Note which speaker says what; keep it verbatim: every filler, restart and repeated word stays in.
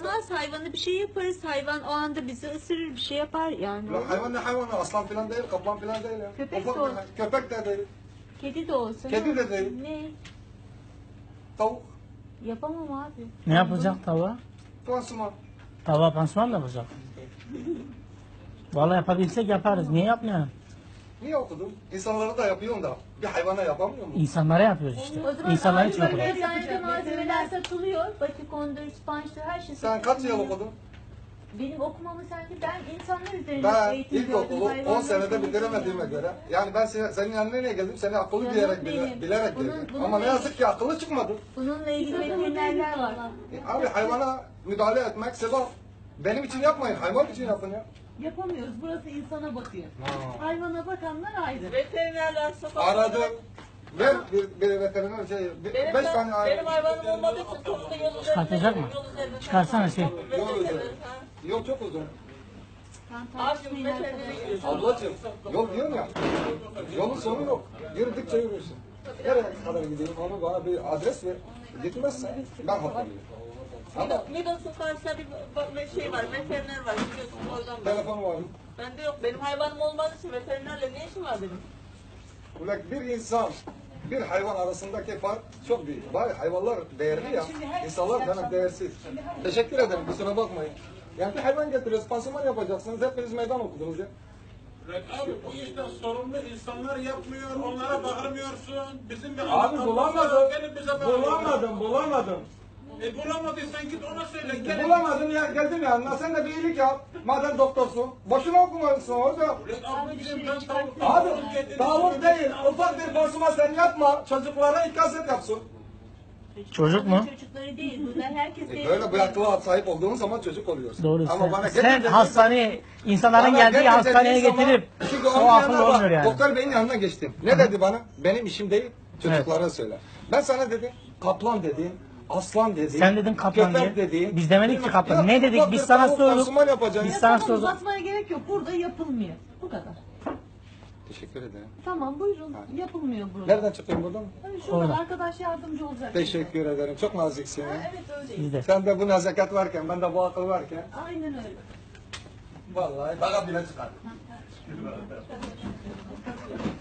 Speaker 1: olmaz. Hayvana bir şey yaparız. Hayvan o anda bizi ısırır, bir şey yapar yani.
Speaker 2: Lan hayvan ne hayvanı? Aslan falan değil, kaplan falan değil ya.
Speaker 1: Köpek
Speaker 2: Ufak
Speaker 1: de ol-
Speaker 2: bir hay- Köpek de değil.
Speaker 1: Kedi de olsa.
Speaker 2: Kedi
Speaker 1: ne
Speaker 2: de
Speaker 1: olsun?
Speaker 2: değil.
Speaker 1: Ne?
Speaker 2: Tavuk,
Speaker 1: Yapamam abi.
Speaker 3: Ne yapacak tavuğa?
Speaker 2: pansuman.
Speaker 3: Tavuğa pansuman mı yapacak? Vallahi yapabilsek yaparız. Niye yapmıyorsun?
Speaker 2: Niye okudum? İnsanlara da yapıyorum da. Bir hayvana yapamıyor mu?
Speaker 3: İnsanlara yapıyoruz işte.
Speaker 1: O zaman
Speaker 3: İnsanlar
Speaker 1: abi
Speaker 3: için
Speaker 1: böyle
Speaker 3: yapıyoruz.
Speaker 1: eczanede malzemeler satılıyor. Batikondur, sponjdur, her şey
Speaker 2: Sen kaç yıl
Speaker 1: satılıyor.
Speaker 2: okudun?
Speaker 1: Benim okumamı sanki ben insanlar üzerine
Speaker 2: Ben
Speaker 1: eğitim gördüm.
Speaker 2: ilkokulu on
Speaker 1: hayvanlar
Speaker 2: senede
Speaker 1: üzerine
Speaker 2: bitiremediğime
Speaker 1: yani.
Speaker 2: göre. Yani ben seni- senin yanına niye geldim? Seni akıllı
Speaker 1: Canım
Speaker 2: diyerek, bile-
Speaker 1: benim.
Speaker 2: bilerek
Speaker 1: Bunun-
Speaker 2: geldim.
Speaker 1: bunun
Speaker 2: Ama ne
Speaker 1: ne-
Speaker 2: yazık ki akıllı çıkmadı.
Speaker 1: Bununla ilgili veterinerler var.
Speaker 2: E, Abi hayvana müdahale etmek sevap. Benim için yapmayın, hayvan için yapın ya.
Speaker 4: Yapamıyoruz. Burası insana bakıyor.
Speaker 2: Ha.
Speaker 4: Hayvana bakanlar ayrı.
Speaker 5: Veterinerler sokakta.
Speaker 2: Aradım. Ver bir, bir veteriner şey, bir,
Speaker 5: Benim,
Speaker 2: beş
Speaker 5: ben-
Speaker 2: tane
Speaker 5: benim
Speaker 2: hayvan.
Speaker 5: hayvanım olmadığı için çok da yol üzerinde.
Speaker 3: Çıkartacak mı?
Speaker 5: yol üzerinde-
Speaker 3: Çıkarsana şey.
Speaker 2: Yol üzeri. Yol çok uzun.
Speaker 1: Kan
Speaker 5: Abi
Speaker 1: tartışmayın
Speaker 5: veterinere
Speaker 1: arkadaşlar.
Speaker 5: gidiyorsun.
Speaker 2: Ablacığım, yol diyorum ya. Yolun sonu yok. Yürüdükçe yürüyorsun. Nereye kadar gideyim onu bana bir adres ver. Gitmezsen ben haklıyım. Ama
Speaker 5: Midas'ın karşısında bir ba- şey var, veteriner var. Biliyorsun oradan ben.
Speaker 2: telefon var.
Speaker 5: Bende yok. Benim hayvanım olmadığı için veterinerle ne işim var benim?
Speaker 2: Ulan bir insan, bir hayvan arasındaki fark çok büyük. Bari hayvanlar değerli ya. İnsanlar demek değersiz. Teşekkür ederim, kusura bakmayın. Yani bir hayvan getiriyoruz, pansuman yapacaksınız. Hepiniz meydan okudunuz ya.
Speaker 6: Abi bu işte sorumlu insanlar yapmıyor, onlara bağırmıyorsun. Bizim bir
Speaker 2: Abi
Speaker 6: anlatamız
Speaker 2: bulamadım.
Speaker 6: var, gelip bize bağırıyorsun.
Speaker 2: Bulamadım, bulamadım.
Speaker 6: E bulamadıysan git ona söyle. Gel.
Speaker 2: Bulamadım ya, geldim yanına. Sen de bir iyilik yap. Madem doktorsun. Boşuna okumalısın hocam.
Speaker 6: Abi gidin ben tavuk
Speaker 2: Abi
Speaker 6: getirdim.
Speaker 2: tavuk değil, ufak bir pansuman sen yapma. Çocuklara ikaz et yapsın.
Speaker 3: Çocuk mu?
Speaker 1: Çocukları değil. Burada herkes
Speaker 2: E böyle bir akla sahip olduğun zaman çocuk oluyorsun.
Speaker 3: Doğru.
Speaker 2: Ama
Speaker 3: Sen,
Speaker 2: bana
Speaker 3: sen
Speaker 2: getirmediğin-
Speaker 3: hastaneye, insanların
Speaker 2: Bana
Speaker 3: geldiği
Speaker 2: getirdiğin
Speaker 3: hastaneye
Speaker 2: zaman-
Speaker 3: getirip
Speaker 2: Çünkü onun
Speaker 3: o akıl
Speaker 2: yanına bak,
Speaker 3: olmuyor yani.
Speaker 2: Doktor Bey'in yanına geçtim. Ne dedi bana? Benim işim değil, çocuklara söyle. Ben sana dedim, kaplan dedin, aslan dedin.
Speaker 3: Sen dedin kaplan
Speaker 2: köpek
Speaker 3: diye.
Speaker 2: dedin.
Speaker 3: Biz demedik ki kaplan.
Speaker 2: Ya,
Speaker 3: Ne dedik?
Speaker 2: ufak
Speaker 3: Biz
Speaker 2: bir
Speaker 3: sana
Speaker 2: tavuk
Speaker 3: sorduk.
Speaker 2: pansuman yapacaksın.
Speaker 3: Biz sana
Speaker 4: Tamam,
Speaker 3: sorduk.
Speaker 4: uzatmaya gerek yok. Burada yapılmıyor. Bu kadar.
Speaker 2: Teşekkür ederim.
Speaker 4: Tamam buyurun. Yapılmıyor burada.
Speaker 2: Nereden çıktın buradan?
Speaker 4: Hani şuradan
Speaker 3: Orada.
Speaker 4: arkadaş yardımcı olacak.
Speaker 2: Teşekkür ederim. Çok naziksin ya.
Speaker 4: Evet öyle.
Speaker 3: Biz de.
Speaker 2: Sen de bu nezaket varken, ben de bu akıl varken.
Speaker 4: Aynen öyle.
Speaker 2: Vallahi bana bile çıkar.